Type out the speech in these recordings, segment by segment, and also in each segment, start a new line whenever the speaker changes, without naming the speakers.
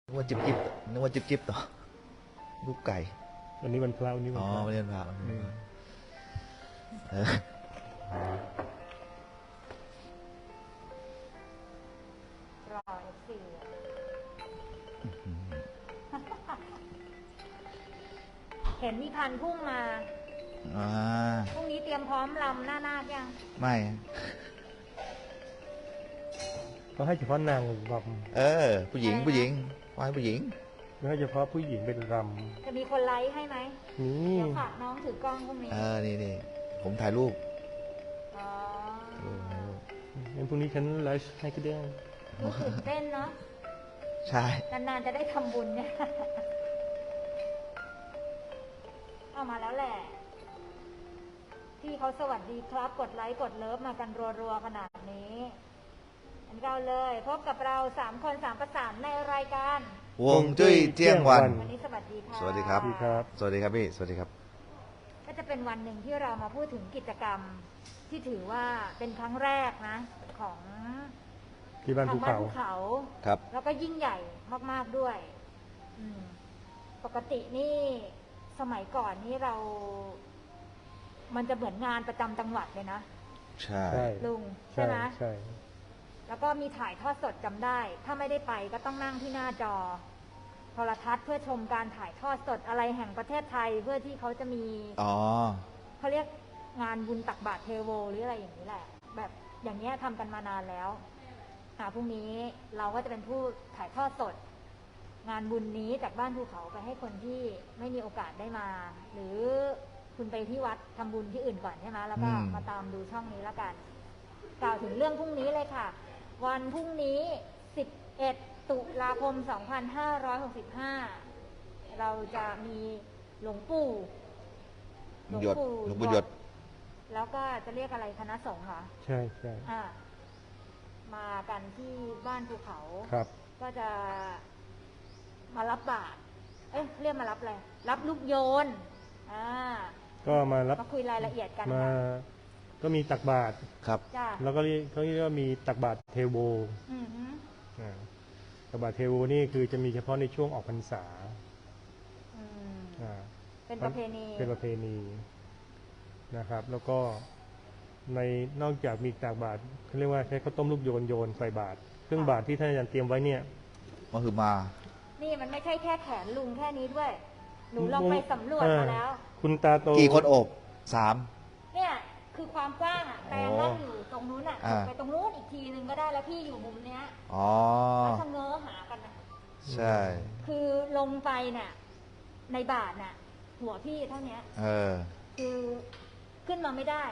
นึกว่าจิบต่อลูกไก่
วันนี้วันพระวันนี้วันพระ
วันนี้วันพระ
รอF4เห็นมีพันพุ่งมาพรุ่งนี้เตรียมพร้อมลำหน้านาคยัง
ไม่
ก็ให้เฉพาะนางร
ำผู้หญิงฝ่ายผู้หญิง
ไม่ให้เฉพาะผู้หญิงเป็นร
ำจะมีคนไลฟ์ให้ไหม
นี่
เดี๋ยวฝากน้องถือกล้องพรุ่งนี้
นี่ผมถ่ายรูป
งั้นพรุ่งนี้ฉันไลฟ์ให้ก็ได้
ตื่นเต้นเนาะ
ใช่
นานๆจะได้ทำบุญเนี่ยเอามาแล้วแหละที่เขาสวัสดีครับกดไลค์กดเลิฟมากันรัวๆขนาดนี้อันเราเลยพบกับเรา3 คน3 ประสานในรายการ
ฮวงจุ้ยเที่ยงวัน
วันนี้สวัสดีค่ะ
สวัสดีครับสวัสดีครับพี่สวัสดีครับ
ก็จะเป็นวันหนึ่งที่เรามาพูดถึงกิจกรรมที่ถือว่าเป็นครั้งแรกนะของ
ที่บ้านภูเขา
ครับ
แล้วก็ยิ่งใหญ่มากๆด้วยปกตินี่สมัยก่อนนี่มันจะเหมือนงานประจำจังหวัดเลยนะ
ใช่
ลุงใช่ไหม
ใช่
แล้วก็มีถ่ายทอดสดจำได้ถ้าไม่ได้ไปก็ต้องนั่งที่หน้าจอโทรทัศน์เพื่อชมการถ่ายทอดสดอะไรแห่งประเทศไทยเพื่อที่เขาจะมีเขาเรียกงานบุญตักบาตรเทโวหรืออะไรอย่างนี้แหละแบบอย่างนี้ทำกันมานานแล้วพรุ่งนี้เราก็จะเป็นผู้ถ่ายทอดสดงานบุญนี้จากบ้านภูเขาไปให้คนที่ไม่มีโอกาสได้มาหรือคุณไปที่วัดทำบุญที่อื่นก่อนใช่ไหมแล้วก็มาตามดูช่องนี้แล้วกันกล่าวถึงเรื่องพรุ่งนี้เลยค่ะวันพรุ่งนี้11 ตุลาคม 2565เราจะมีหลวงปู่
หยด
แล้วก็จะเรียกอะไรคณะสงฆ์ค่ะ
ใช่ใช่
มากันที่บ้านภูเขา
ครับ
ก็จะมารับบาตรเรียกมารับอะไรรับลูกโยน
ก็มา
คุยรายละเอียดกัน
ก็มีตักบาตร
ครับ
แล้วก็เขาเรียกว่ามีตักบาตรเทโวตักบาตรเทโวนี่คือจะมีเฉพาะในช่วงออกพรรษา
เป็นประเพ
ณีนะครับแล้วก็ในนอกจากมีตักบาตรเขาเรียกว่าใช้ข้าวต้มลูกโยนใส่บาตรเครื่องบาตรที่ท่านอาจารย์เตรียมไว้เนี่ย
ก็คือมา
นี่มันไม่ใช่แค่แขนลุงแค่นี้ด้วยหนูลองไปสำรวจมาแล้ว
คุณตาโต
กี่คนอบ3
เนี่ยคือความกว้างแปลงก็อยู่ตรงนู้นไปตรงนู้นอีกทีนึงก็ได้แล้วพี่อยู่มุมเนี้ยแล้วชะเง้อหากันนะ
ใช่
คือลงไปเนี่ยในบาทน่ะหัวพี่เท่านี้คือขึ้นมาไม่ได้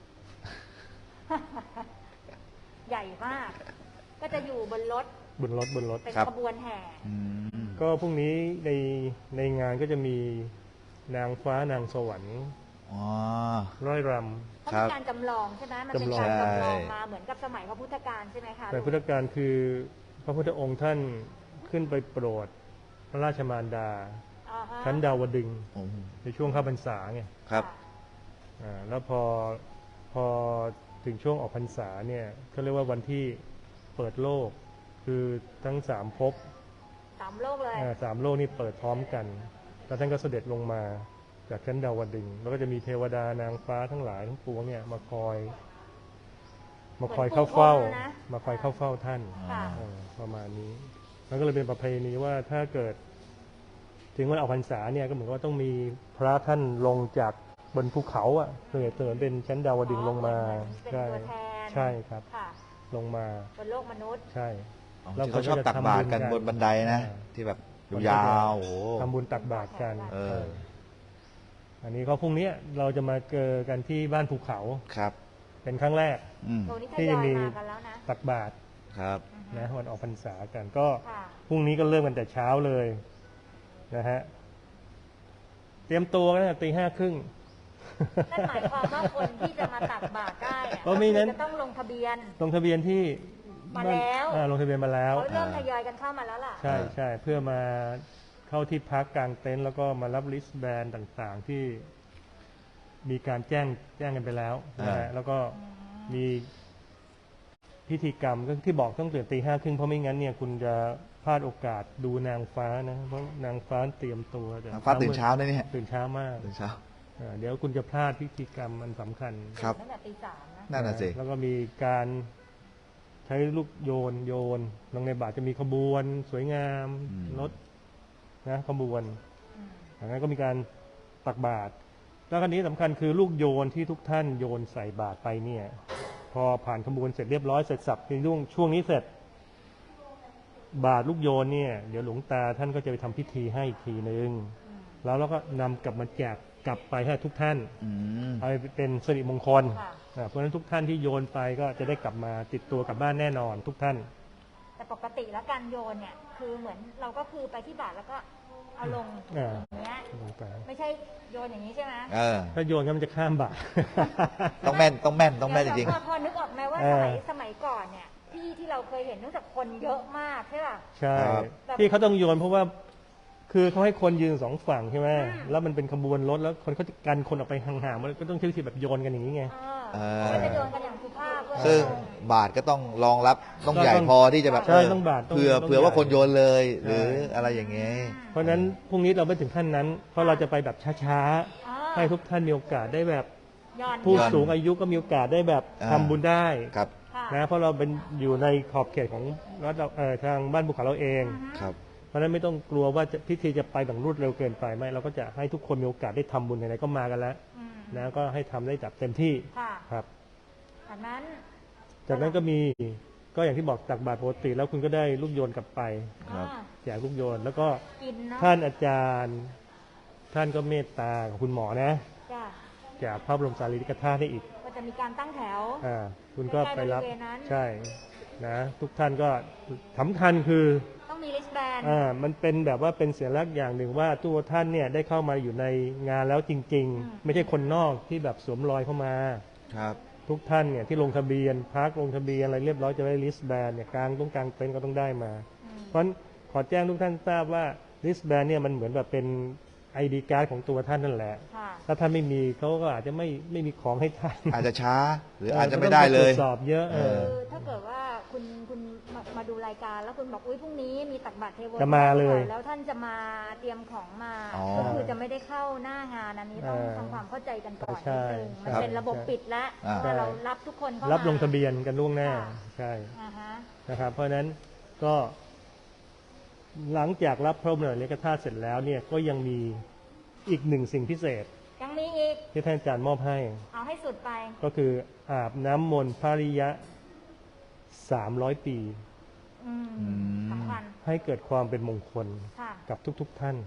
ใหญ่มากก็จะอยู่บนรถเป็นขบวนแห่
ก็พรุ่งนี้ในงานก็จะมีนางฟ้านางสวรรค์ร้อยรำ
เขาเป็นการจำลองใช่ไหมมันเป็นการจำลองมาเหมือนกับสมัยพระพุทธกาลใช่ไหมคะ
แต่พุทธกาลคือพระพุทธองค์ท่านขึ้นไปโปรดพระราชมารดาชั้นดาวดึงในช่วงเข้าพรรษาไง
ครับ
แล้วพอถึงช่วงออกพรรษาเนี่ยเขาเรียกว่าวันที่เปิดโลกคือทั้ง3 ภพ
3 โลกเลย
3 โลกนี่เปิดพร้อมกันแล้วท่านก็เสด็จลงมาจากชั้นดาวดึงแล้วก็จะมีเทวดานางฟ้าทั้งหลายทั้งปวงเนี่ยมาคอยเข้าเฝ้าท่านประมาณนี้มันก็เลยเป็นประเพณีว่าถ้าเกิดถึงวันออกพรรษาเนี่ยก็เหมือนว่าต้องมีพระท่านลงจากบนภูเขาเตือนเป็นชั้นดาวดึงลงมาใช่ครับลงมา
บนโลกมนุษย์
ใช่แล้วเขาชอบตักบาตรกันบนบันไดนะที่แบบยาว
ทำบุญตักบาตรกันอันนี้ก็พรุ่งนี้เราจะมาเจอกันที่บ้านภูเขา
ครับ
เป็นครั้งแรกที่จะมีตักบาตร
ครับ
นะวันออกพรรษากันก็พรุ่งนี้ก็เริ่มกันแต่เช้าเลยนะฮะเตรียมตัวกันตี 5:30
นั่นหมายความว่าคนที่จะมาตักบาตรได้จะต้องลงทะเบียน
ที่
มาแล้ว
ลงทะเบียนมาแล้ว
เขาเริ่มทยอยกันเข้ามาแล้วล่ะ
ใช่เพื่อมาเข้าที่พักกลางเต็นท์แล้วก็มารับลิสต์แบนต่างๆที่มีการแจ้งกันไปแล้วนะฮะแล้วก็มีพิธีกรรมก็ที่บอกต้องตื่นตี 5:30เพราะไม่งั้นเนี่ยคุณจะพลาดโอกาสดูนางฟ้านะเพราะนางฟ้าเตรียมตัวแต่
ฟ้าตื่นเช้าได้เนี่ย
ตื่นเช้ามาก
ตื่นเช้า
เดี๋ยวคุณจะพลาดพิธีกรรมอันสำคัญ
ครับ
ตั้งแต่ตี 3นะ
นั่นน่ะสิ
แล้วก็มีการใช้ลูกโยนลงในบาตรจะมีขบวนสวยงามรถนะขบวน
อืม
จากนั้นก็มีการตักบาตรแล้วคันนี้สำคัญคือลูกโยนที่ทุกท่านโยนใส่บาตรไปเนี่ย พอผ่านขบวนเสร็จเรียบร้อยเสร็จสับในช่วงนี้เสร็จ บาตรลูกโยนเนี่ยเดี๋ยวหลวงตาท่านก็จะไปทำพิธีให้อีกทีนึง
อืม
แล้วเราก็นำกลับมาแจกกลับไปให้ทุกท่าน
อืม
เอาไปเป็นสิริมงคล
ค่ะ
เพราะฉะนั้นทุกท่านที่โยนไปก็จะได้กลับมาติดตัวกลับบ้านแน่นอนทุกท่าน
แต่ปกติแล้วการโยนเนี่ยคือเหมือนเราก็คือไปที่บาทแล้วก็เอาลง
อ่า
อย่างเงี้ย
ลงไป
ไม่ใช่โยนอย่างนี้ใช่ไหม
เออ
ถ้าโยนก็มันจะข้ามบาตร
ต้องแม่นต้องแม่นต้องแม่นจ
เดี๋
ริ
ย
ง
วพอนึกออกไหมว่า
เออ
สมัยก่อนเนี่ยที่เราเคยเห็นเนื่องจากคนเยอะมากใช่ป่ะ
ใช่
ครับ
ที่เขาต้องโยนเพราะว่าคือเขาให้คนยืนสองฝั่งใช่ไหม
อืม
แล้วมันเป็นขบวนรถแล้วคนเขาจะกันคนออกไปห่างๆมันก็ต้องใช้วิธีแบบโยนกันอย่างนี้ไง
เขาก็จะโยนกันอย่างสุภาพเพื่อ
ๆ ซึ่ง
ลง
บาทก็ต้องรองรับต้องใหญ่พอที่จะแบบ
ใช่ต้องบาทต้อง
เผื่อ
ต้อง
เผื่อว่า
ใหญ่
คนโยนเลย หรือ
ใช่
อะไรอย่างเงี้ย
เพราะฉะนั้นพรุ่งนี้เราไม่ถึงขั้นนั้น เพราะเราจะไปแบบช้า
อ่า
ๆให้ทุกท่านมีโอกาสได้แบบ
ย้อน
ผู้
ย้อน
สูงอายุก็มีโอกาสได้แบบ
อ่า
ทำบุญได้
ครับ
ค่ะ
นะเพราะเราเป็นอยู่ในขอบเขตของรัฐเราทางบ้านภูเขาเราเอง
อือฮึ
ครับ
เพราะฉะนั้นไม่ต้องกลัวว่าพิธีจะไปแบบรวดเร็วเกินไปไม่เราก็จะให้ทุกคนมีโอกาสได้ทำบุญไหนๆก็มากันแล้ว
อืม
นะก็ให้ทำได้จับเต็มที่
ค่ะ
ครับ
จากนั้น
จากนั้นก็มีก็อย่างที่บอกตักบาตรปกติแล้วคุณก็ได้ลูกโยนกลับไป
ครับ
อ่า
แจกลูกโยน แล้วก็
กินเนาะ
ท่านอาจารย์ ท่านก็เมตตากับคุณหมอนะ
จ้ะ
จากพระบรมสารีริกธาตุให้อีก
ก็จะมีการตั้งแถว
คุณก็ไปรับ
ใกล้ๆบริเวณนั้น
ใช่นะทุกท่านก็สำคัญคือ
ต้องมีลิสแบน
มันเป็นแบบว่าเป็นสัญลักษณ์อย่างหนึ่งว่าตัวท่านเนี่ยได้เข้ามาอยู่ในงานแล้วจริง ๆ ไม่ใช่คนนอกที่แบบสวมรอยเข้ามา
ครับ
ทุกท่านเนี่ยที่ลงทะเบียนพักลงทะเบียนอะไรเรียบร้อยจะได้ลิสแบนเนี่ยกลางต้องกลางเต็นท์ก็ต้องได้มา เพราะฉะนั้นขอแจ้งทุกท่านทราบว่าลิสแบนเนี่ยมันเหมือนแบบเป็นไอดีการ์ดของตัวท่านนั่นแหละ
ค่ะ
ถ้าท่านไม่มีเขาก็อาจจะไม่มีของให้ท่าน
อาจจะช้าหรืออาจจะไม่ได้เลย
ต้องปตรวจสอบเยอะ
คือถ้าเกิดว่าคุณมาดูรายการแล้วคุณบอกอุ้ยพรุ่งนี้มีตักบาตรเทโว
จะมาเลย
แล้วท่านจะมาเตรียมของมา
อ๋อ
ก็คือจะไม่ได้เข้าหน้างานอันนี้ต้องทำความเข้าใจกันก่อนนิดนึงมันเป็นระบบปิดแล้ว
อ่า
ว่าเรารับทุกคนเข้ามา
รับลงทะเบียนกันล่วงหน้า
ค่ะ
ใช่
อ่าฮะ
นะครับ เพราะฉะนั้นก็หลังจากรับพระบรมสารีริกธาตุเสร็จแล้วเนี่ยก็ยังมีอีกหนึ่งสิ่งพิเศษ
ยังมีอีก
ที่ท่านอาจารย์มอบให้
เอาให้สุดไป
ก็คืออาบน้ำมนต์พระริยะ300 ปี
อืม
อืม
สำคัญ
ให้เกิดความเป็นมงคล
ค่ะ
กับทุกๆท่าน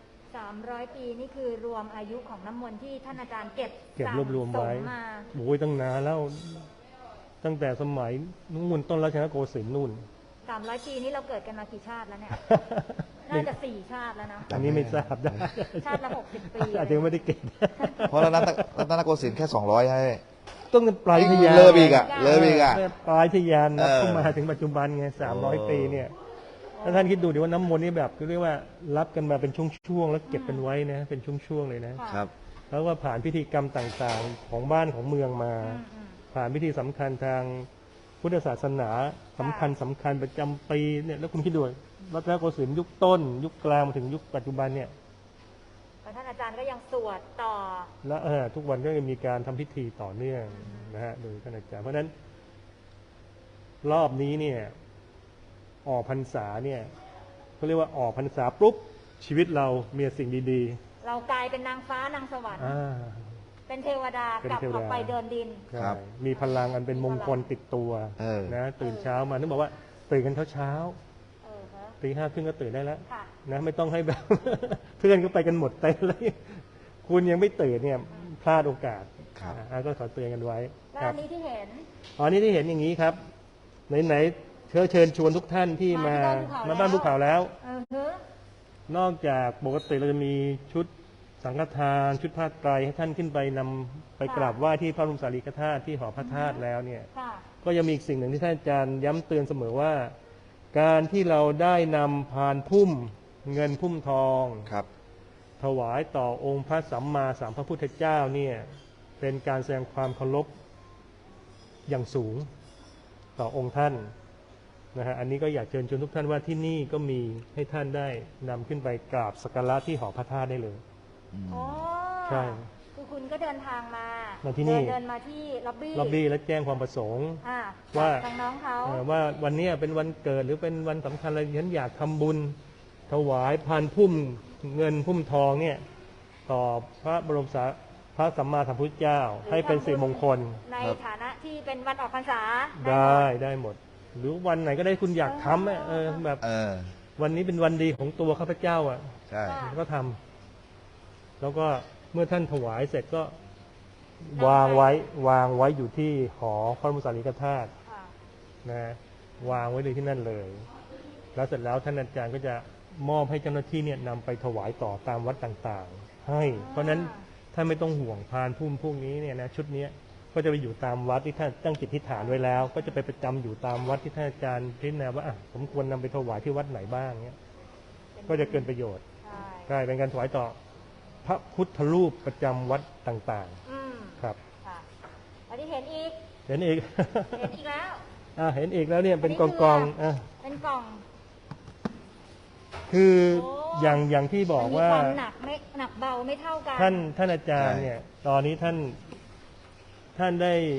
300 ปีนี่คือรวมอายุของน้ำมนต์ที่ท่านอาจารย์เก็บ
เก็บรวบรวมไว้
สะสมา
โอ้ยตั้งนานแล้ว ตั้งแต่สมัยนู่นต้นรัชนโกสินทร์นู่น
300 ปีนี้เราเกิดกันมากี่ชาติแล้วเนี่ย น่าจะ 4 ชาติแล้วนะ
อันนี้ไม่ทราบได้
ชาติละ 60 ปี
อาจจะไม่ได้เก็บ
เพราะรัตนโกสินทร์แค่200ให้
ต้องปลายทะยาน
เลิกอีกอะเลิกอีกอะ
ปลายทะยานนับ
เออ
เข้ามาถึงปัจจุบันไง300 ปีเนี่ยถ้าท่านคิดดูดิว่าน้ำมนต์นี่แบบเรียกว่ารับกันมาเป็นช่วงๆแล้วเก็บกันไว้นะ เป็นช่วงๆเลยนะ
ค่ะ
ครับ
แล้วว่าผ่านพิธีกรรมต่างๆของบ้านของเมืองมา
อืม
ผ่านพิธีสำคัญทางพุทธศาสนาสำคัญประจำปีเนี่ยแล้วคุณคิดดูรัตนโกสินทร์ยุคต้น ยุคกลางมาถึงยุคปัจจุบันเนี่ย
แล้วท่านอาจารย์ก็ยังสวดต่อ
และทุกวันก็ยังมีการทำพิธีต่อเนื่องนะฮะโดยท่านอาจารย์เพราะฉะนั้น รอบนี้เนี่ยออกพรรษาเนี่ยเขาเรียกว่าออกพรรษาปุ๊บชีวิตเรามีสิ่งดี
เรากลายเป็นนางฟ้านางสวรร
ๆ
ค์ เป็นเทวดา
เป็น
กลับ
เทวดา
ออกไปเดินดิน
ใช่
ครับ
มีพลังอันเป็นมงคลติดตัว
เออ
นะตื่นเช้ามานึกบอกว่าตื่นกันเช้า
เออฮะ
ตี 5 ครึ่งก็ตื่นได้แล้ว
ค่ะ
นะไม่ต้องให้แบบ เพื่อนก็ไปกันหมดเต็มเลยคุณยังไม่ตื่นเนี่ยพลาดโอกาส
ครับ
ก็ขอเตือนกันไว้
แล้ว
ครั
อั
บ
นนี้ที่เห็น
อ๋อนี่ที่เห็นอย่างนี้ครับไหนๆเชิญชวนทุกท่านที่มา
มา
บ้านภูเขาแล้ว
เออฮึ
นอกจากปกติเราจะมีชุดสังฆทานชุดผ้าไตรให้ท่านขึ้นไปนำไปกราบไหว้ที่พระบรมสารีริกธาตุที่หอพระธาตุแล้วเนี่ย
ค่ะ
ก็ยังมีอีกสิ่งหนึ่งที่ท่านอาจารย์ย้ำเตือนเสมอว่า การที่เราได้นำพานพุ่มเงินพุ่มทอง
ครับ
ถวายต่อองค์พระสัมมาสัมพุทธเจ้าเนี่ยเป็นการแสดงความเคารพอย่างสูงต่อองค์ท่านนะฮะอันนี้ก็อยากเชิญชวนทุกท่านว่าที่นี่ก็มีให้ท่านได้นำขึ้นไปกราบสักการะที่หอพระธาตุได้เลย
อ๋อ
ใช่
คือคุณก็เดินทางมา
มาที่นี่
เดินมาที่ล็อบบี้
ล็อบบี้และแจ้งความประสงค์
อ่า
ว่า
ทางน้องเขา
ว่าวันเนี้ยเป็นวันเกิดหรือเป็นวันสำคัญอะไรฉันอยากทำบุญถวายพานพุ่มเงินพุ่มทองเนี่ยต่อพระบรมสาพระสัมมาสัมพุทธเจ้า
หรือ
ให้เป็นสิริมงคล
ในฐานะที่เป็นวันออกพรรษา
ได้หมด หรือวันไหนก็ได้คุณอยากทำแบบ วันนี้เป็นวันดีของตัวข้าพเจ้าอ่ะ
ใช่
ก็ทำแล้วก็เมื่อท่านถวายเสร็จก็วางไว้อยู่ที่หอพระบรมสารีริกธาตุ
ค่ะ
นะวางไว้เลยที่นั่นเลย แล้วเสร็จแล้วท่านอาจารย์ก็จะมอบให้เจ้าหน้าที่เนี่ยนำไปถวายต่อตามวัดต่างๆ ให้ เพราะฉะนั้นท่านไม่ต้องห่วงพานพุ่มพวกนี้เนี่ยนะชุดเนี้ยก็จะไปอยู่ตามวัดที่ท่านตั้งจิตทิฏฐานไว้แล้ว ก็จะไปประจำอยู่ตามวัดที่ท่านอาจารย์พิจารณาว่าอ่ะผมควรนำไปถวายที่วัดไหนบ้างเนี้ยก็จะเกินประโยชน์
ใช่
ใช่เป็นการถวายต่อพระพุทธรูปประจำวัดต่าง
อืม
ๆครับ
ค่ะอันนี้เห็นอีก
เห็นอีก
เห็นอีกแล้ว
เห็นอีกแล้วเนี่ยเป็น
อันนี้
ก
คือ
อง
เป็นกล่อง
คือ
โอ้
อย่างที่บอกว่า
มันมีความหนักไม่หนักเบาไม่เท่ากัน
ท่านอาจารย์เนี่ย ตอนนี้ท่าน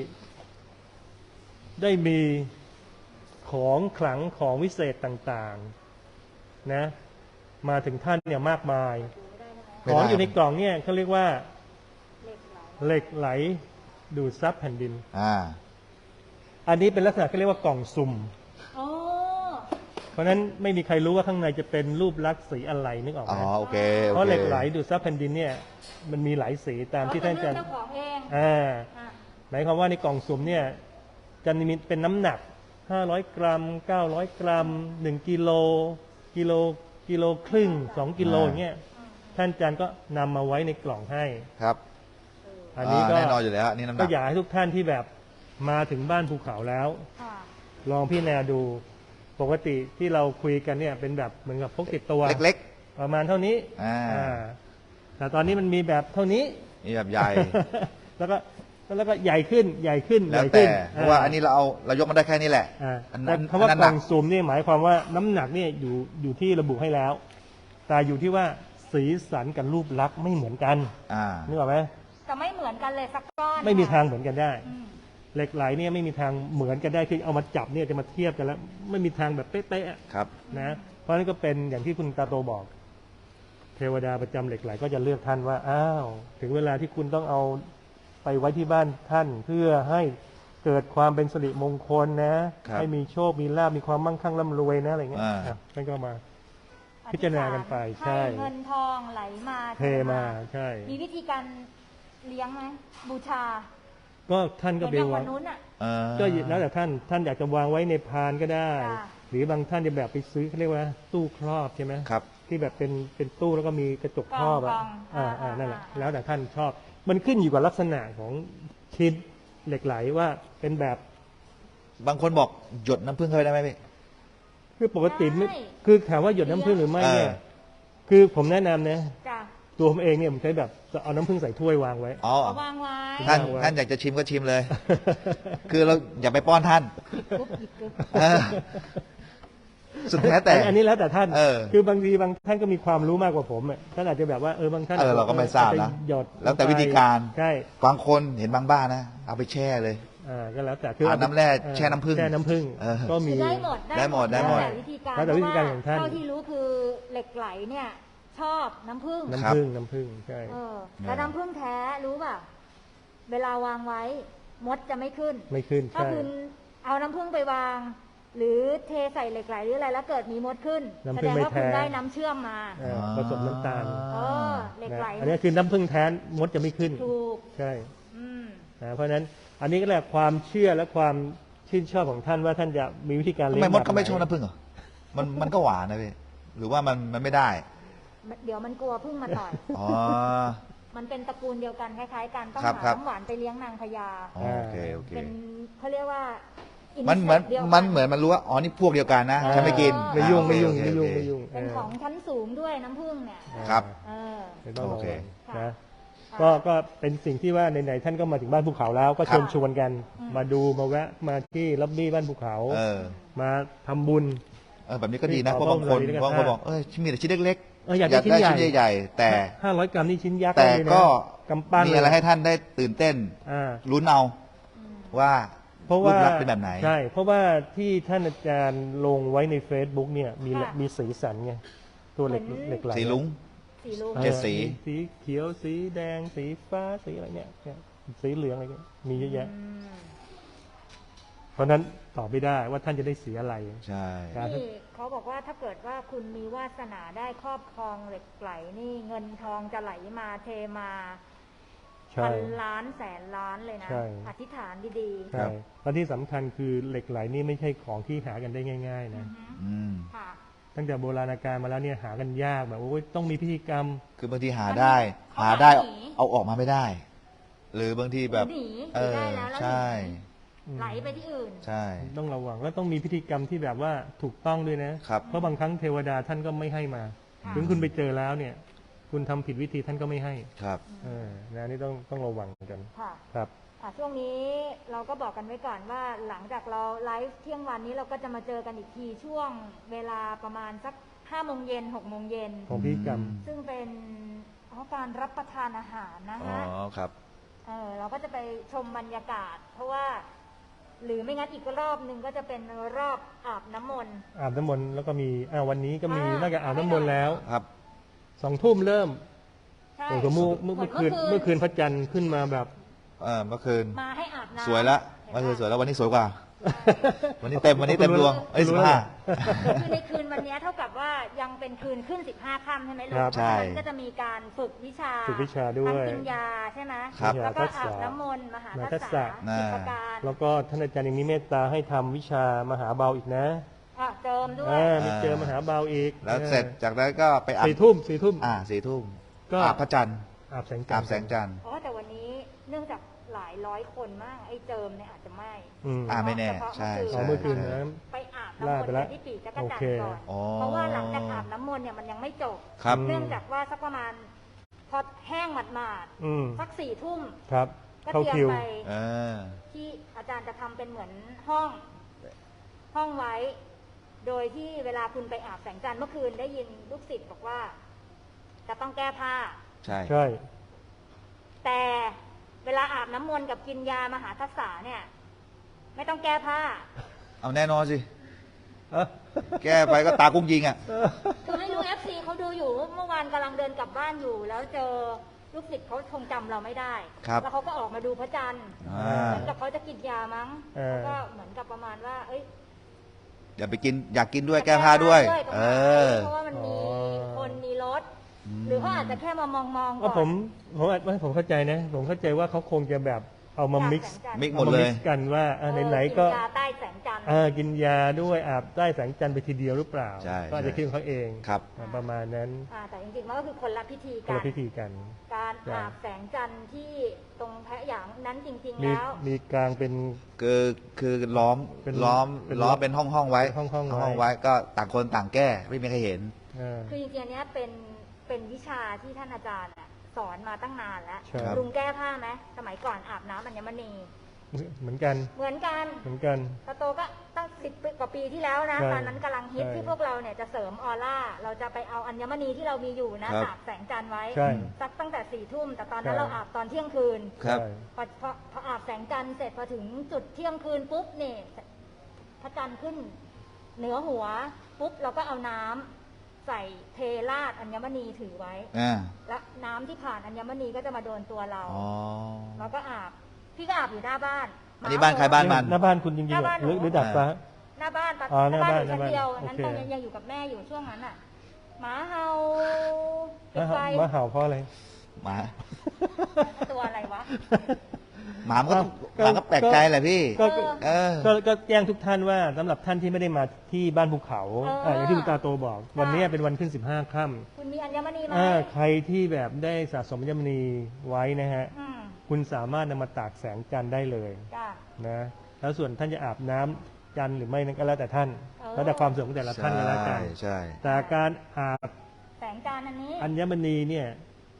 ได้มีของขลังของวิเศษต่างๆนะมาถึงท่านเนี่ยมากมาย ของอยู่ในกล่องเนี่ยเขาเรียกว่า
เหล็กไหล
เหล็กไหลดูดซับแผ่นดิน
อ่า
อันนี้เป็นลักษณะเขาเรียกว่ากล่องสุ่ม
โอ้
เพราะฉะนั้นไม่มีใครรู้ว่าข้างในจะเป็นรูปลักษณ์สีอะไรนึกออกไห
อ๋
ม
อ โอเค
เพราะเหล็กไหลดูดซับแผ่นดินเนี่ยมันมีหลายสีตามที่ท่านอาจารย์
เจ้าของเอง
อ่า
อ่ะ
หมายความว่าในกล่องสุ่มเนี่ยจะมีเป็นน้ำหนัก 500 กรัม 900 กรัม 1 กิโล กิโลครึ่ง 2 กิโลอย่างเงี้ย ท่านอาจารย์ก็นำมาไว้ในกล่องให้
ครับ
อันนี้ก็
แน่นอนอยู่แล้ว นี่น้ำห
ก็
นัก
อยากให้ทุกท่านที่แบบมาถึงบ้านภูเขาแล้ว
ค่ะ
ลองพิจารณาดู ปกติที่เราคุยกันเนี่ยเป็นแบบเหมือนกับพกติดตัว
เล็ก
ประมาณเท่านี้
อ่า
แต่ตอนนี้มันมีแบบเท่านี้
ๆ นี่แบบใหญ่
แล้วก็ใหญ่ขึ้น
แล้วแต่ เพราะว่าอันนี้เรายกมันได้แค่นี้แหละ
แต่คำว่าก
อันนั้น
ล่องสุ่มนี่หมายความว่าน้ำหนักเนี่ยอยู่ที่ระบุให้แล้ว แต่อยู่ที่ว่าสีสันกับรูปลักษณ์ไม่เหมือนกัน
อ่า
นึกออกไหม
จะไม่เหมือนกันเลยสักก้อน
ไม่มีทางเหมือนกันได้
อืม
เหล็กไหลเนี่ยไม่มีทางเหมือนกันได้คือเอามาจับเนี่ยจะมาเทียบกันแล้ว ไม่มีทางแบบเป๊ะๆอะ
ครับ
นะเพราะฉะนั้นก็เป็นอย่างที่คุณตาโตบอก เทวดาประจำเหล็กไหลก็จะเลือกท่านว่าอ้าวถึงเวลาที่คุณต้องเอาไปไว้ที่บ้านท่าน เพื่อให้เกิดความเป็นสิริมงคลนะ
ครับ
ให้มีโชคมีลาภมีความมั่งคั่งร่ำรวยนะอะไรเงี้ย
อ่า
อ่ะท่านก็มา พิจารณากันไปใช่
ห้เงินทองไหลมา
เทมาใช่
มีวิธีการเลี้ยงไหมบูชา
ก็ท่านก็
เหมือนอย่าง
ไปวา
วั
ง
นนู้นอ่ะ
ก็แล้วแต่ท่านอยากจะวางไว้ในพานก็ได้
ค่ะ
หรือบางท่านจะแบบไปซื้อเขาเรียกว่าตู้ครอบใช่ไหม
ครับ
ที่แบบเป็นตู้แล้วก็มีกระจกครอบอ่ะ
กล่อง
นั่นแหละ
อ่า
แล้วแต่ท่านชอบ มันขึ้นอยู่กับลักษณะของชิ้นเหล็กไหลว่าเป็นแบบ
บางคนบอกหยดน้ำผึ้งเข้าไปได้ไหมพี่
คือปกติไม่คือถามว่าหยดน้ำผึ้งหรือไม่เนี่ย คือผมแนะนำนะ
จ้ะ
ตัวผมเองเนี่ยผมใช้แบบเอาน้ำผึ้งใส่ถ้วยวางไว้
อ๋อ
เอาวางไว้
ท่านอยากจะชิมก็ชิมเลย คือเราอย่าไปป้อนท่าน
ปุ๊บหยิบปุ๊บ
เออสุดแท้แต่
อันนี้แล้วแต่ท่าน
เออ
คือบางทีบางท่านก็มีความรู้มากกว่าผมอ่ะท่านอาจจะแบบว่าบางท่าน
เราก็ไม่ทราบนะ
อจจหยด
แล้วแต่วิธีการ
ใช่
บางคนเห็นบางบ้านนะ เอาไปแช่เลย
ก็แล้วแต่
เอาน้ำแร่แช่น้ำผึ้ง
แช่น้ำผึ้ง
เออ
ก็มี
คือได้หมด
ได้หมดได้หมด
แล้วแต่วิธีการ
แล้วแต่วิธีการของท่าน
เท่าที่รู้คือเหล็กไหลเนี่ย ชอบน้ำผึ้ง
น้ำผึ้งน้ำผึ้งใช่
แล้วน้ำผึ้งแท้รู้ป่ะเวลาวางไว้มดจะไม่ขึ้น
ไม่ขึ้น
ถ้า
ใช่
คุณเอาน้ำผึ้งไปวาง หรือเทใส่เหล็กไหลหรืออะไรแล้วเกิดมีมดขึ้น
น้ำ
แส
ผึ้
ด
ง
ง
ไม่
ว่าคุณ
แท้
ได้น้ำเชื่อมมา
ผสมน้ำตาล
เหล็ก
นะ
ไหล
อันนี้คือน้ำผึ้งแท้มดจะไม่ขึ้น
ถูก
ใช่
อืม
เพราะฉะนั้นอันนี้ก็แหละความเชื่อและความชื่นชอบของท่านว่าท่านจะมีวิธีการ
ทำ
เลี้ย
ไม
ง
มด
แบบ
ก็ไม่
ห
ชอบน้ำผึ้งเหรอ มันก็หวานนะพี่ หรือว่ามันไม่ได้
เดี๋ยวมันกลัวผึ้งมาต่อย
อ๋อ
มันเป็นตระกูลเดียวกันคล้ายๆกันต้อง
ครับ
หา
ครับ
น้ำหวานไปเลี้ยงนางพญา
อ๋อโอเคโอเค
เป็นเขาเรียกว่า
มันเหมือน
insect ดียวกั
มันรู้ว่า อ๋อ นี่พวกเดียวกันนะ ฉันไม่กิน
ไม่ยุ่ง
อ่า
ไม่ยุ่ง
โอเค
ไม่ยุ่ง
โอเค
ไม่ยุ่ง
เป็นของชั้นสูงด้วยน้ำผึ้งเนี่ย
ครับ
เออ
ไม่ต้อง
โอเค
ระวังนะก็เป็นสิ่งที่ว่าไหนๆท่านก็มาถึงบ้านภูเขาแล้ว ก็เชิญชวนกัน มาดูมาแวะมาที่ล็อบบี้บ้านภูเขา มาทำบุญ
แบบนี้ก็ดีนะเพราะบางคนบอกมีแต่ชิ้นเล็กๆ
อยากได้ชิ้นใหญ่
แต่
500 กรัมนี่ชิ้นยักษ์
แต่
เลยนะ
ก็
กำปั้น
มีอะไรให้ท่านได้ตื่นเต้นลุ้นเอาว่ารูปลักษณ์เป็นแบบไหน
ใช่เพราะว่าที่ท่านอาจารย์ลงไว้ใน Facebook เนี่ยมีสีสันไงตัวเหล็กไหล
สีลุ้ง
สีลุง
เจ็ดสี
สีเขียวสีแดงสีฟ้าสีอะไรเนี่ยสีเหลืองอะไรเงี้ยมีเยอะแยะ เพราะนั้นตอบไม่ได้ว่าท่านจะได้สีอะไร
ใช่
นี่เขาบอกว่าถ้าเกิดว่าคุณมีวาสนาได้ครอบครองเหล็กไหลนี่เงินทองจะไหลมาเทมาพันล้านแสนล้านเลยนะอธิษฐานดีๆ
ใช่และที่สำคัญคือเหล็กไหลนี่ไม่ใช่ของที่หากันได้ง่ายๆนะตั้งแต่โบราณกาลมาแล้วเนี่ยหากันยากแบบโอ้ยต้องมีพิธีกรรม
คือบางทีหาได้เอาออกมาไม่ได้ หรือบางทีแบบ
ได้แล้ว
ใช่
ไหลไปที่อื่น
ใช่
ต้องระวังแล้วต้องมีพิธีกรรมที่แบบว่าถูกต้องด้วยนะครับเพราะบางครั้งเทวดาท่านก็ไม่ให้มาถึงคุณไปเจอแล้วเนี่ยคุณทำผิดวิธีท่านก็ไม่ให้
ครับ
นะนี่ต้องระวังกันครับ
ช่วงนี้เราก็บอกกันไว้ก่อนว่าหลังจากเราไลฟ์เที่ยงวันนี้เราก็จะมาเจอกันอีกทีช่วงเวลาประมาณสัก5 โมงเย็น6 โมงเย็น
ของพิธีกรรม
ซึ่งเป็นการรับประทานอาหารนะฮะ
ครับ
เราก็จะไปชมบรรยากาศเพราะว่าหรือไม่งั้นอีกรอบหนึ่งก็จะเป็นรอบอาบน้ำมนต์
แล้วก็มีวันนี้ก็มีน่าจะอาบน้ำมนต์แล้ว
ครับ
2 ทุ่มเริ่มโอ้โหเมื่อคืนพระจันทร์ขึ้นมาแบบ
เมื่อคืน
มาให้อาบน้ำ
สวยละเมื่อคืนสวยแล้ววันนี้สวยกว่าวันนี้เต็มดวง15
คือในคืนวันนี้เท่ากับว่ายังเป็นคืนขึ้น15 ค่ำใช่ไหมลูกก็จะมีการฝึกวิชา
ด้วย
กินยาใช่ไหมแล้วก็อาบน้ำมนต์มหาทักษะกิจการ
แล้วก็ท่านอาจารย์ยังมีเมตตาให้ทำวิชามหาเบาอีกนะ
เจิมด้วย
มีเจิมมหาเบาอีก
แล้วเสร็จจากนั้นก็ไปอาบ
4 ทุ่ม
4 ทุ่มก็อาบพระจันทร์
อาบแสง
จันทร์
แต่วันนี้เนื่องจากหลายร้อยคนมากไอ้เจิมเนี่ยอาจจะไม่
ไม่แน่ใช่
เมื่อคืนนะ
ไปอาบน้ำมนต์ที่ปีจักรจันทร์ก่อนเพราะว่าหลังจากอาบน้ำมนต์เนี่ยมันยังไม่จบเนื่องจากว่าสักประมาณพอแห้งหมาดๆสัก4 ทุ่มก็เตรียมไปที่อาจารย์จะทำเป็นเหมือนห้องไว้โดยที่เวลาคุณไปอาบแสงจันทร์เมื่อคืนได้ยินลูกศิษย์บอกว่าจะต้องแก้ผ้า
ใช่
แต่เวลาอาบน้ำมนต์กับกินยามหาทักษะเนี่ยไม่ต้องแก้ผ้า
เอาแน่นอนสิแก้ไปก็ตากุ้งยิงอ่ะ
คือไม่รู้ FC เขาดูอยู่เมื่อวานกำลังเดินกลับบ้านอยู่แล้วเจอลูกศิษย์เขาคงจำเราไม่ได้แล้วเขาก็ออกมาดูพระจันทร์เหมือนกับเขาจะกินยามั้งแล้วก็เหมือนกับประมาณว่า
อย่าไปกินอยากกินด้วยแก้ผ้าด้วย
เพราะว่ามันมีคนมีรถหรือเขาอาจจะแค่มามองก่อน
ผมเข้าใจนะผมเข้าใจว่าเขาคงจะแบบเอามามิกซ์
หมดเลย
กันว่าไหนๆก็
กินยาใต้แสงจันทร์
กินยาด้วยอาบใต้แสงจันทร์ไปทีเดียวหรือเปล่าก็อาจจะคิดของเขาเอง
ครับ
ประมาณนั้น
แต่จริงๆมันก็คือคนละพิธีกันการอาบแสงจันทร์ที่ตรงแพะหยางนั้นจริงๆแล้ว
มีกลางเป็น
คือล้อมเป็นห้องไว้ห้องไว้ก็ต่างคนต่างแก้ไม่มีใครเห็น
คือจริงๆเนี้ยเป็นวิชาที่ท่านอาจารย์สอนมาตั้งนานแล้วลุงแก้ผ้าไหมสมัยก่อนอาบน้ำอัญมณี
เหมือนกัน
ตาโตก็ตั้ง10 กว่าปีที่แล้วนะตอนนั้นกำลังฮิตที่พวกเราเนี่ยจะเสริมออร่าเราจะไปเอาอัญมณีที่เรามีอยู่นะอาบแสงจันทร์ไว้สักตั้งแต่4 ทุ่มแต่ตอนนั้นเราอาบตอนเที่ยงคืนพออาบแสงจันทร์เสร็จพอถึงจุดเที่ยงคืนปุ๊บเนี่ยพระจันทร์ขึ้นเหนือหัวปุ๊บเราก็เอาน้ำใส่เทราดอัญมณีถือไว้แล้วน้ำที่ผ่านอัญมณีก็จะมาโดนตัวเราแล้วก็อาบพี่ก็อาบอยู่หน้าบ้าน
อันนี้บ้านใครบ้านมัน
หน้าบ้านคุณจริงๆหรือดัดฟ้า
หน้าบ้านอยู่ชั้นเดียวนั้นตอนยังอยู่กับแม่อยู่ช่วงนั้นอ่ะหมาเห่า
หมาเห่าเพราะอะไร
หมา
ตัวอะไรวะ
หมาก็แปลกใจแหละพี่
ก็แจ้งทุกท่านว่าสำหรับท่านที่ไม่ได้มาที่บ้านภูเขาอย่างที่คุณตาโตบอกวันนี้เป็นวันขึ้น15 ค่
ำคุณมีอัญมณีไหม
ใครที่แบบได้สะสมอัญมณีไว้นะฮะคุณสามารถนำมาตากแสงจันทร์ได้เลยนะแล้วส่วนท่านจะอาบน้ำจันทร์หรือไม่นั้นก็แล้วแต่ท่านแล้วแต่ความสะดวกของแต่ละท่านก็แล้วกันแต่การอาบ
แสงจันทร์อันนี้
อัญมณีเนี่ย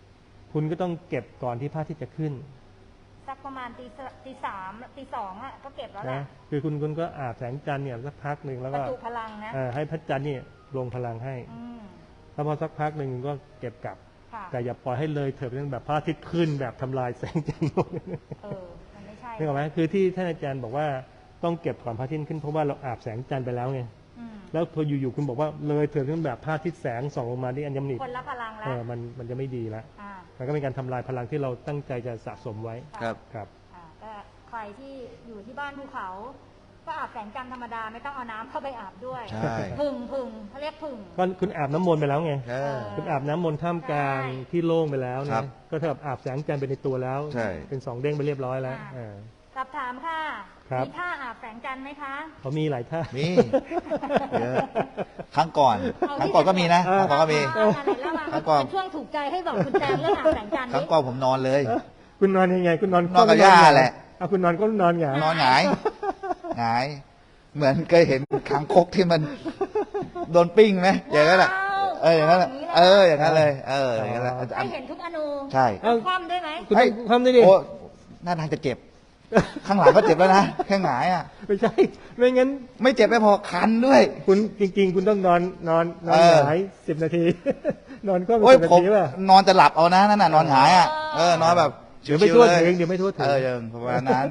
คุณก็ต้องเก็บก่อนที่พระอาทิตย์จะขึ้น
สักประมาณตีสามตีสองอ่ะก็เก็บแล้วแห
นะ
ละ
คือคุณก็อาบแสงจันทร์เนี่ยสักพักหนึ่งแล้ว
ป
ก็
ระจุพลังนะ
ให้พระจันทร์เนี่ยลงพลังให้
อืม
แล้วพอสักพักหนึ่งก็เก็บกลับ
ค่ะ
แต่อย่าปล่อยให้เลยเถิดไปจนแบบพระอาทิตย์ขึ้นแบบทำลายแสงจันทร์หมด
มันไม่ใช่
นึกออกไหมคือที่ท่านอาจารย์บอกว่าต้องเก็บก่อนพระอาทิตย์ขึ้นเพราะว่าเราอาบแสงจันทร์ไปแล้วไง
อืม
แล้วพออยู่ๆคุณบอกว่าเลยเถิดจนแบบพระอาทิตย์แสงส่องลงมาที่อัญมณี
คนละพลังแล้ว
มันจะไม่ดีละ
อ่า
มันก็เป็นการทำลายพลังที่เราตั้งใจจะสะสมไว้
ครับ
ครับ
ก็ใครที่อยู่ที่บ้านภูเขา ก็อาบแสงจันทร์ธรรมดาไม่ต้องเอาน้ำเข้าไปอาบด้วย
ใช่
พึ่งเขาเรียกพึ่ง
ก็คุณอาบน้ำมนต์ไปแล้วไง
ใช่
คุณอาบน้ำมนต์ท่ามกลาง
ใช่
ที่โล่งไปแล้ว
ครั
นะ
บ
ก็เท่ากับอาบแสงจันทร์ไปในตัวแล้ว
ใช่
เป็น2 เด้งไปเรียบร้อยแล้ว
สอบถามค่ะ
ครับ
มีท่าอาบแสงจันทร์ไหมคะ
เขามีหลายท่า
มีเยอะครั้งก่อนก็มีนะครั้งก่อนก็มี ครั้งก่อน
เป็นช่วงถูกใจให้บอกคุณแจงเรื่องอาบแสงจันทร์
ครั้ง
นี่
ก่อนผมนอนเลย
คุณนอนยังไง คุณนอน
นอนกับย่าแหละ
เอาคุณนอนก็นอนหงาย
นอนหงายหงาย เหมือนเคยเห็นคางคกที่มันโดนปิ้งไหมอย่างนั้นแหละอย่างนั้นแหละอย่างนั้นเลย อย่างนั้นแหละ
ให้เห็นทุกอนู
ใช่
คว่ำด้วยไหม
คุณต้องทำได้ดิ
โอ้หน้าทางจะเจ็บ ข้างหลังก็เจ็บแล้วนะแค่หงายอ่ะ
ไม่ใช่ ไม่งั้น
ไม่เจ็บไม่พอคันด้วย
คุณจริง ๆ คุณต้องนอนหงาย10 นาที นอนก็เป็น
โอ้ย
10 นา
ผม
ทีป่ะ
นอนจะหลับเอานะนั่นน่ะนอนหงายอ่ะนอนแบบ
เดี๋ยวไม่
ชิ
ทั่ว
ๆล
ถึงเดี๋ยวไม่ทั่วถึง
ยังประมาณนั้น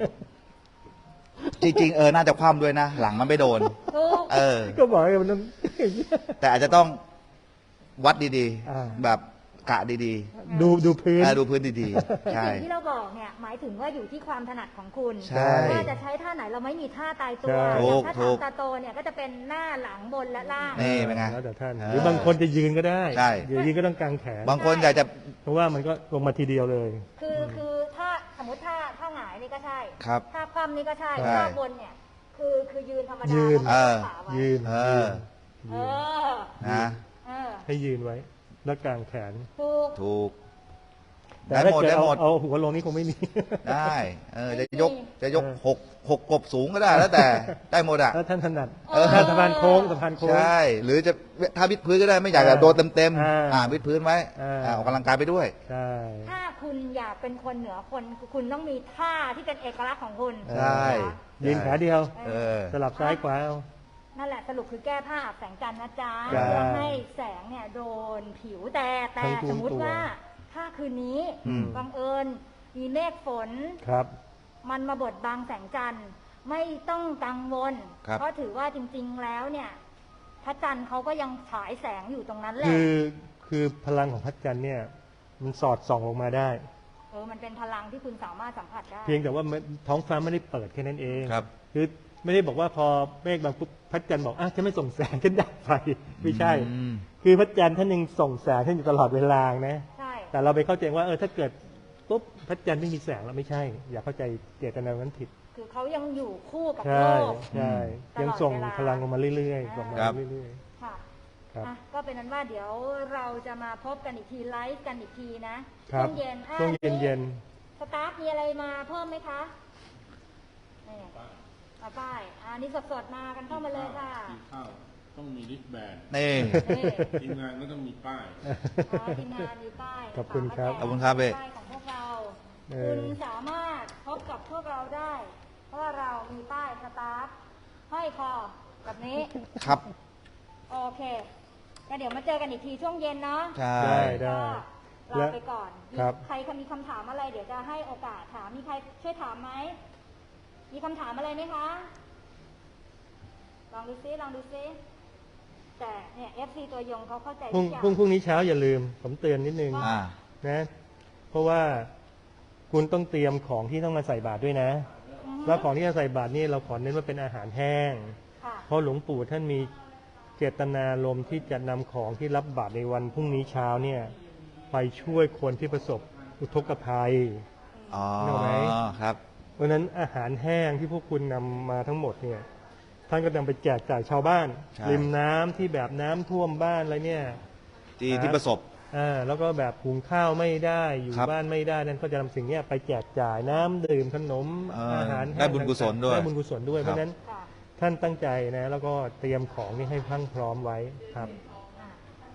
จริงๆน่าจะคว่ำด้วยนะ หลังมันไม่โดน
ถูก
ก็บอกให้มันต้อง
แต่อาจจะต้องวัดดี
อ่า
ๆ แบบกะดี
ดูพื้น
ดูพื้นดีๆ ใช่
สิ่งที่เราบอกเนี่ยหมายถึงว่าอยู่ที่ความถนัดของคุณ
ใช่
ว่าจะใช้ท่าไหนเราไม่มีท่าตายตัว
ใช่
อย่างถ้า
ถูก
ทำตาโตเนี่ยก็จะเป็นหน้าหลังบนและล่าง
นี่เป็นไง
แล้วแต่ท่าน
เออ
หรือบางคนจะยืนก็ได้
ใช่
ยืนก็ต้องกางแขน
บางคนอยากจะ
เพราะว่ามันก็ลงมาทีเดียวเลย
คือถ้าสมมติท่าหงายนี่ก็ใช่
ครับ
ท่าคว่ำนี่ก็ใช่
ใช่
ท่าบนเนี่ยคือยืนธรรมดา
ยืน
แล้วก็ขาไว้
ยืน
เออ
เอ
ยืน
อ
นะ
เออ
ให้ยืนไว้ แล้วกางแขน
ถูก
ถูก
แต่
ได้
ถ้า
หมด
เกิด
ได้หมด
เอาหัวลงนี่คงไม่มี
ได้จะยกหกกบสูงก็ได้แล้วแต่ได้หมดอ่ะ
ถ้าท่านถนัด
เออ
สะพานโค้งสะพานโค้ง
ใช่ หรือจะถ้าวิดพื้นก็ได้ไม่อยากจะโดนเต็ม
อ่า
วิดพื้นไว้
อ่า
ออกกำลังกายไปด้วย
ใช่
ถ้าคุณอยากเป็นคนเหนือคนคุณต้องมีท่าที่เป็นเอกลักษณ์ของคุณ
ใช่
ยืนขาเดียว
เออ
สลับซ้ายขวาเอา
นั่นแหละสรุปคือแก้ผ้าอาบแสงจันทร์นะจ๊ะ
ใช่
เพื่อให้แสงเนี่ยโดนผิวแต่
ทั้งตัว
สมมุติว่าถ้าคืนนี้
อืม
บังเอิญมีเมฆฝน
ครับ
มันมาบดบังแสงจันทร์ไม่ต้องกังวล
ครับ
เพราะถือว่าจริงๆแล้วเนี่ยพระจันทร์เขาก็ยังฉายแสงอยู่ตรงนั้นแหละ
คือพลังของพระจันทร์เนี่ย มันสอดส่องลงมาได้
มันเป็นพลังที่คุณสามารถสัมผัสได้
เพียงแต่ว่าท้องฟ้าไม่ได้เปิดแค่นั้นเอง
ครับ
คือไม่ได้บอกว่าพอเมฆบางปุ๊บพระจันทร์บอกฉันไม่ส่งแสงฉันดับไฟไม่ใช่
อืม
คือพระจันทร์ท่านยังส่งแสงท่านอยู่ตลอดเวลานะ
ใช่
แต่เราไปเข้าใจว่าถ้าเกิดปุ๊บพระจันทร์ไม่มีแสงแล้วไม่ใช่ อย่าเข้าใจเจตนานั้นผิด
คือเขายังอยู่คู่กับ
ใช่
โลก
ใช่
ตลอด
ยังส่ง
เวลา
พลังลงมาเรื่อยๆส่งมา
ครับ
เรื่อย
ค่ะ
ๆครับ
ก็เป็นนั้นว่าเดี๋ยวเราจะมาพบกันอีกทีไลฟ์กันอีกทีนะครับ ช่วงเย็น
ช่วงเย็น
สตาฟมีอะไรมาเพิ่มไหมคะนี่มาป้ายอันนี้สดๆมากันเข้ามาเลยค่ะ
กินข้าวต้องมีริสแบน
นี่
นี่
ทีมงานก็ต้องมีป้าย
ทีมงานมีป้าย
ขอบคุณครับ
ขอบคุณครับเบ้
ป้ายของพวกเรา
เออ
คุณสามารถพบกับพวกเราได้ เพราะว่าเรามีป้ายสตาฟห้อยคอแบบนี้
ครับ
โอเคก็เดี๋ยวมาเจอกันอีกทีช่วงเย็นเนาะ
ใช่
ได้
ก็ลาไปก่อน
ครับ
ใครมีคำถามอะไร เดี๋ยวจะให้โอกาสถาม มีใครช่วยถามไหม มีคำถามอะไรไหมคะ ลองดูซิแต่เนี่ย FC ตัวยงเขาเข้าใจ
พรุ่
ทุ
ง
กอย่าง
พรุ่งนี้เช้าอย่าลืม ผมเตือนนิดนึง
อ่า
นะ เพราะว่าคุณต้องเตรียมของที่ต้องมาใส่บาตรด้วยนะ แล้วของที่จะใส่บาตรนี่เราขอเน้นว่าเป็นอาหารแห้ง
ค่ะ
เพราะหลวงปู่ท่านมีเจตนารมณ์ที่จะนำของที่รับบาตรในวันพรุ่งนี้เช้าเนี่ยไปช่วยคนที่ประสบอุทกภัย
อ๋อ
นึกออกไหม
ครับ
เพราะฉะนั้นอาหารแห้งที่พวกคุณนำมาทั้งหมดเนี่ยท่านก็นำไปแจกจ่ายชาวบ้าน
ใช่
ริมน้ำที่แบบน้ำท่วมบ้านอะไรเนี่ย
ที่ประสบ
แล้วก็แบบหุงข้าวไม่ได้อยู่
ครับ
บ้านไม่ได้นั่นก็จะนำสิ่งเนี้ยไปแจกจ่ายน้ำดื่มขนม อาหารแห้ง
ได้บุญกุศลด้วย
ได้บุญกุศลด้วย
ครับ
เพราะฉะนั้น
ค่ะ
ท่านตั้งใจนะแล้วก็เตรียมของนี่ให้พรั่งพร้อมไว้ครับ
โอเค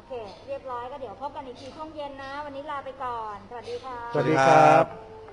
เค เรียบร้อยก็เดี๋ยวพบกันอีกทีช่วงเย็นนะ วันนี้ลาไปก่อน สวัสดีค่ะ
สวัสดีครับ